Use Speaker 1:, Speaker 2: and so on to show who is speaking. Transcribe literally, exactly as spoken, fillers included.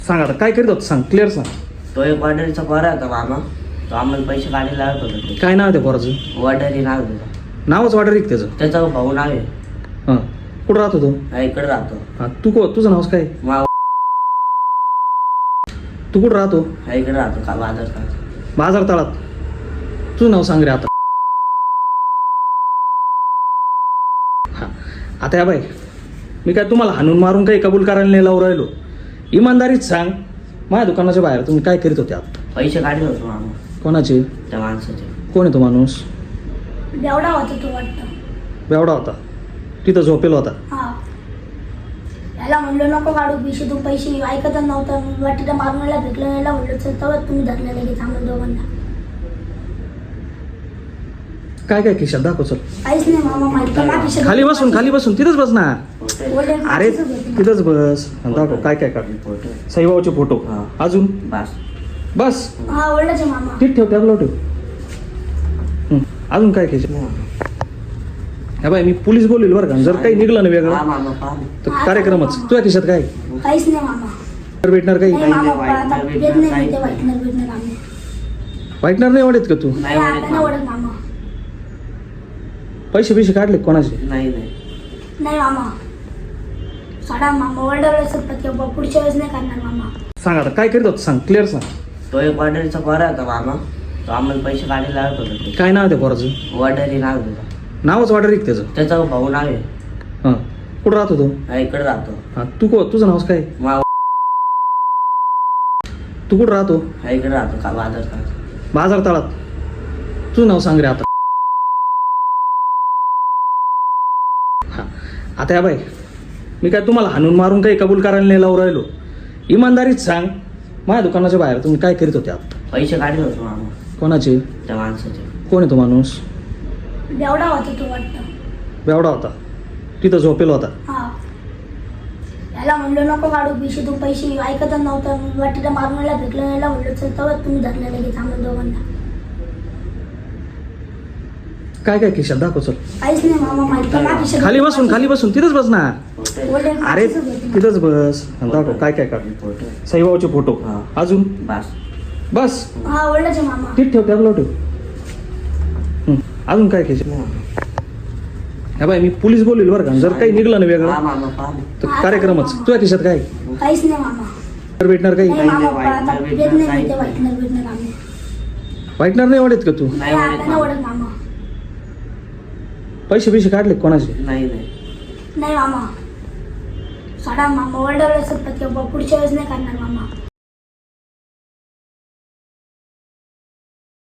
Speaker 1: सांग आता काय करीत होत सांग, क्लिअर सांग.
Speaker 2: तो एक वॉर्डरीचा पोरा होता मामा. तो आम्हाला पैसे काढायला लागत होता.
Speaker 1: काय नाव आहे त्या पोराचं?
Speaker 2: वॉर्डरी नाव आहे त्याचं.
Speaker 1: नावच वाटर एक त्याचं.
Speaker 2: त्याचा भाऊ नाव आहे.
Speaker 1: हां, कुठं राहतो तो?
Speaker 2: हा, इकडे राहतो.
Speaker 1: हां, तू को तुझं नावच काय?
Speaker 2: मा
Speaker 1: तू कुठं राहतो?
Speaker 2: हा, इकडे राहतो का बाजार का.
Speaker 1: बाजार तळात. तुझं नाव सांग रे आता. हां, आता या बाई, मी काय तुम्हाला हाणून मारून काही कबूल करायला नाही लावून राहिलो. इमानदारीत सांग, माझ्या दुकानाच्या बाहेर तुम्ही काय करीत होते आता?
Speaker 2: पैसे काढले होते मामा
Speaker 1: कोणाचे?
Speaker 2: त्या माणसाचे.
Speaker 1: कोण आहे तो माणूस?
Speaker 3: बेवडा होता तो वाटतं.
Speaker 1: बेवडा होता, तिथं झोपेल होता.
Speaker 3: हा, याला म्हणलं नको काढू पिशे, तू पैसे ऐकतच नव्हता. मी वाटीला मागण्याला भेटलं, याला म्हणलं चल, तेव्हा तुम्ही धरले लगेच आम्हाला दोघांना.
Speaker 1: काय काय खिशात दाखव चल.
Speaker 3: काहीच नाही मामा, माहिती माझ्या खिशात-
Speaker 1: खाली बसून खाली बसून तिथंच बस ना.
Speaker 3: वडील
Speaker 1: अरे
Speaker 3: माणसाचं होतं.
Speaker 1: तिथंच बस आणि दाखव काय काय काढ.
Speaker 2: फोटो.
Speaker 1: साईबाबाचे फोटो.
Speaker 2: हा.
Speaker 1: अजून
Speaker 2: बस.
Speaker 1: बस
Speaker 3: हा, वडिलाचे मामा.
Speaker 1: ठीक ठेव, टॅबला ठेव. हं, अजून काय खिशात? हा बाई, मी पोलीस बोलवेल बरं का. जर काही निघलं ना
Speaker 2: हा
Speaker 1: वेगळं
Speaker 2: मामा पहा.
Speaker 1: तर कार्यक्रमच. तुझ्या खिशात काय
Speaker 3: काहीच नाही मामा.
Speaker 1: भेटणार? काही
Speaker 3: नाही मामा,
Speaker 2: नाही,
Speaker 3: आता
Speaker 2: व्हाईटनर
Speaker 3: येत नाही
Speaker 2: काहीच
Speaker 3: ते
Speaker 2: नाही.
Speaker 3: व्हाईटनर बिटनर आम्ही.
Speaker 1: वाईटणार नाही वाटत का तू?
Speaker 2: नाही
Speaker 3: नाही,
Speaker 2: वाटत
Speaker 3: आता नाही
Speaker 2: मामा.
Speaker 3: वडत मामा.
Speaker 1: पैसे पैसे काढले का कोणाचे?
Speaker 2: नाही नाही.
Speaker 3: नाही मामा, साडा मामा. वडील सतत किंवा पुढच्या वेळेस नाही करणार मामा.
Speaker 1: सांग आता काय करीत होत सांग, क्लिअर सांग.
Speaker 2: तो एक वॉर्डरीचा पोरा होता मामा. तो आम्हाला पैसे काढायला लागत होता.
Speaker 1: काय नाव आहे त्या पोराचं?
Speaker 2: वॉर्डरी नाव आहे त्याचं.
Speaker 1: नावच वाटर एक त्याचं.
Speaker 2: त्याचा भाऊ नाव आहे.
Speaker 1: हां, कुठं राहतो तो?
Speaker 2: हा, इकडे राहतो.
Speaker 1: हां, तू को तुझं नावच काय?
Speaker 2: मा
Speaker 1: तू कुठं राहतो?
Speaker 2: हा, इकडे राहतो का बाजार का.
Speaker 1: बाजार तळात. तुझं नाव सांग रे आता. हां, आता या बाई, मी काय तुम्हाला हाणून मारून काही कबूल करायला नाही लावून राहिलो. इमानदारीत सांग, माझ्या दुकानाच्या बाहेर तुम्ही काय करीत होते आता?
Speaker 2: पैसे काढले होते मामा
Speaker 1: कोणाचे?
Speaker 2: त्या माणसाचे.
Speaker 1: कोण आहे तो माणूस?
Speaker 3: बेवडा होता तो वाटतं.
Speaker 1: बेवडा होता, तिथं झोपेल होता.
Speaker 3: हा, याला म्हणलं नको काढू पिशे, तू पैसे ऐकतच नव्हता. मी वाटीला मागण्याला भेटलं, याला म्हणलं चल, तेव्हा तुम्ही धरले लगेच आम्हाला दोघांना.
Speaker 1: काय काय खिशात दाखव चल.
Speaker 3: काहीच नाही मामा, माहिती माझ्या खिशात-
Speaker 1: खाली बसून खाली बसून तिथंच बस ना.
Speaker 2: फोटो.
Speaker 3: वडील
Speaker 1: अरे
Speaker 3: माणसाचं होतं.
Speaker 1: तिथंच बस आणि दाखव काय काय काढ.
Speaker 2: फोटो.
Speaker 1: साईबाबाचे फोटो.
Speaker 2: हा.
Speaker 1: अजून
Speaker 2: बस.
Speaker 1: बस
Speaker 3: हा, वडिलाचे मामा.
Speaker 1: ठीक ठेव, टॅबला ठेव. हं, अजून काय खिशात? हा बाई, मी पोलीस बोलवेल बरं का. जर काही निघलं ना
Speaker 2: हा
Speaker 1: वेगळं
Speaker 2: मामा पहा.
Speaker 1: तर कार्यक्रमच. तुझ्या खिशात काय
Speaker 3: काहीच नाही मामा.
Speaker 1: भेटणार? काही
Speaker 3: नाही मामा,
Speaker 2: व्हाईटनर
Speaker 3: आता
Speaker 2: बिटनर
Speaker 3: येत नाही
Speaker 2: काहीच
Speaker 3: ते
Speaker 2: नाही.
Speaker 3: व्हाईटनर बिटनर आम्ही.
Speaker 1: वाईटणार नाही वाटत का तू?
Speaker 2: नाही
Speaker 3: नाही,
Speaker 2: वाटत
Speaker 3: आता नाही
Speaker 2: मामा.
Speaker 3: वडत मामा.
Speaker 1: पैसे पैसे काढले का कोणाचे?
Speaker 2: नाही नाही.
Speaker 3: नाही मामा, साडा मामा. वडील सतत किंवा पुढच्या वेळेस नाही करणार मामा.